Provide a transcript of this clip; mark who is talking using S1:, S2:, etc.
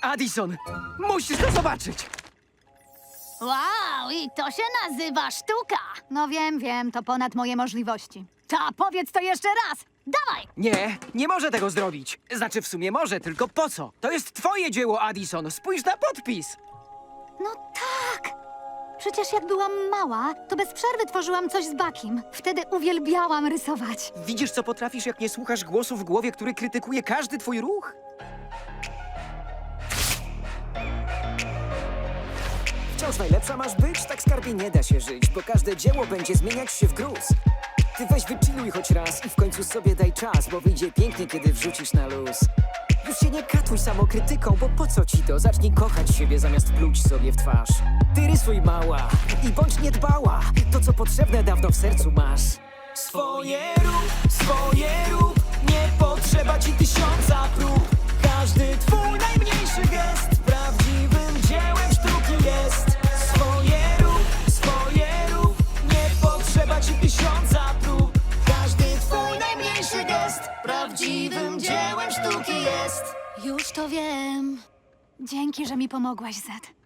S1: Addison, musisz to zobaczyć!
S2: Wow, i to się nazywa sztuka.
S3: No wiem, to ponad moje możliwości.
S2: Ta, powiedz to jeszcze raz. Dawaj!
S1: Nie może tego zrobić. Znaczy, w sumie może, tylko po co? To jest twoje dzieło, Addison. Spójrz na podpis.
S3: No tak! Przecież jak byłam mała, to bez przerwy tworzyłam coś z Bakim. Wtedy uwielbiałam rysować.
S1: Widzisz, co potrafisz, jak nie słuchasz głosu w głowie, który krytykuje każdy twój ruch?
S4: Wciąż najlepsza masz być, tak skarbie nie da się żyć, bo każde dzieło będzie zmieniać się w gruz. Ty weź wychilluj choć raz i w końcu sobie daj czas, bo wyjdzie pięknie, kiedy wrzucisz na luz. Już się nie katuj samokrytyką, bo po co ci to? Zacznij kochać siebie zamiast pluć sobie w twarz. Ty rysuj mała i bądź niedbała, to co potrzebne dawno w sercu masz. Swoje rób, nie potrzeba ci tysiąca prób. Każdy twój najmniejszy gest prawdziwym dziełem sztuki jest. Swoje rób, nie potrzeba ci tysiąca prób. Każdy twój najmniejszy gest prawdziwym dziełem sztuki jest.
S3: Już to wiem. Dzięki, że mi pomogłaś, Zed.